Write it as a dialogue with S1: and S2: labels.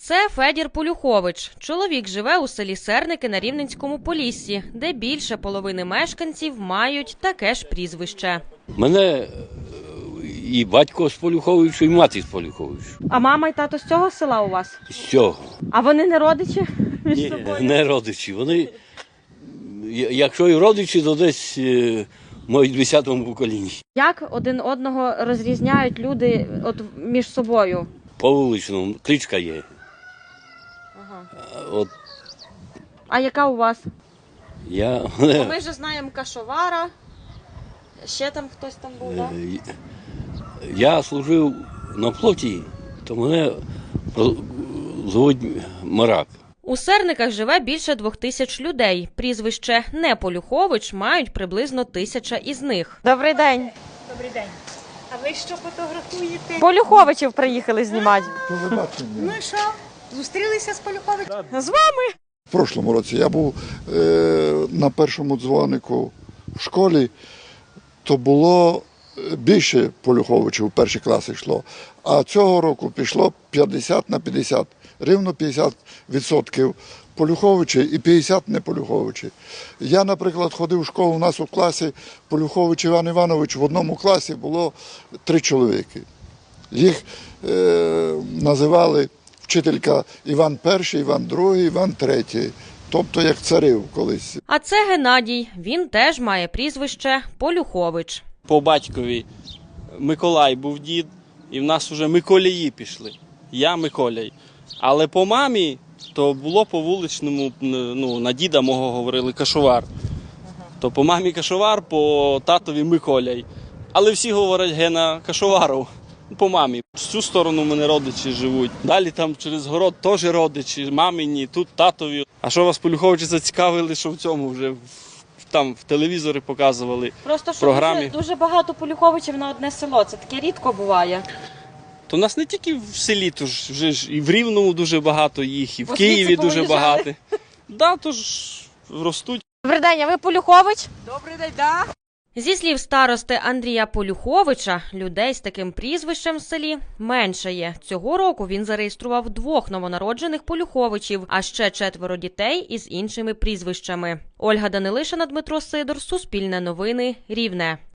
S1: Це Федір Полюхович. Чоловік живе у селі Серники на Рівненському Поліссі, де більше половини мешканців мають таке ж прізвище.
S2: Мене і батько з Полюховича, і мати з Полюховича.
S1: А мама і тато з цього села у вас?
S2: З цього.
S1: А вони не родичі між
S2: Ні,
S1: собою?
S2: не родичі. Вони, якщо і родичі, то десь мають в 10-му поколінні.
S1: Як один одного розрізняють люди між собою?
S2: По вуличному кличка є.
S1: Ага.
S2: От
S1: А яка у вас?
S2: я,
S1: Ми вже знаємо Кашовара, ще там хтось там був, так?
S2: я служив на флоті, то мене звуть Марак.
S1: У Серниках живе більше 2000 людей. Прізвище не Полюхович мають приблизно 1000 із них. Добрий день.
S3: Добрий день. А ви що фотографуєте?
S1: Полюховичів приїхали знімати.
S3: Ну і що? Зустрілися з Полюховичем?
S1: З вами?
S4: В прошлому році я був на першому дзвонику в школі, то було більше Полюховичів в перші класи йшло. А цього року пішло 50 на 50. Рівно 50% Полюховичі і 50 не Полюховичі. Я, наприклад, ходив в школу, у нас у класі Полюхович Іван Іванович, в одному класі було 3 чоловіки. Їх називали вчителька Іван І, Іван II, Іван III, тобто як царів колись.
S1: А це Геннадій. Він теж має прізвище Полюхович.
S5: По батькові Миколай був дід, і в нас вже Миколії пішли. Я Миколяй. Але по мамі то було по вуличному, на діда мого говорили Кашовар. То по мамі Кашовар, по татові Миколяй. Але всі говорять Гена Кашоваров. По мамі. З цю сторону в мене родичі живуть. Далі там через город теж родичі, мамині, тут татові. А що вас Полюховичі зацікавили, що в цьому вже там в телевізорі показували.
S1: Просто що
S5: програмі.
S1: дуже багато Полюховичів на одне село. Це таке рідко буває.
S5: То у нас не тільки в селі, то ж вже ж і в Рівному дуже багато їх, і в Києві дуже
S1: повиїжджали.
S5: багато. Да, то ж ростуть.
S1: Добрий день, а ви Полюхович?
S3: Добрий день, да.
S1: Зі слів старости Андрія Полюховича, людей з таким прізвищем в селі менше є. Цього року він зареєстрував 2 новонароджених Полюховичів, а ще 4 дітей із іншими прізвищами. Ольга Данилишина, Дмитро Сидор, Суспільне новини, Рівне.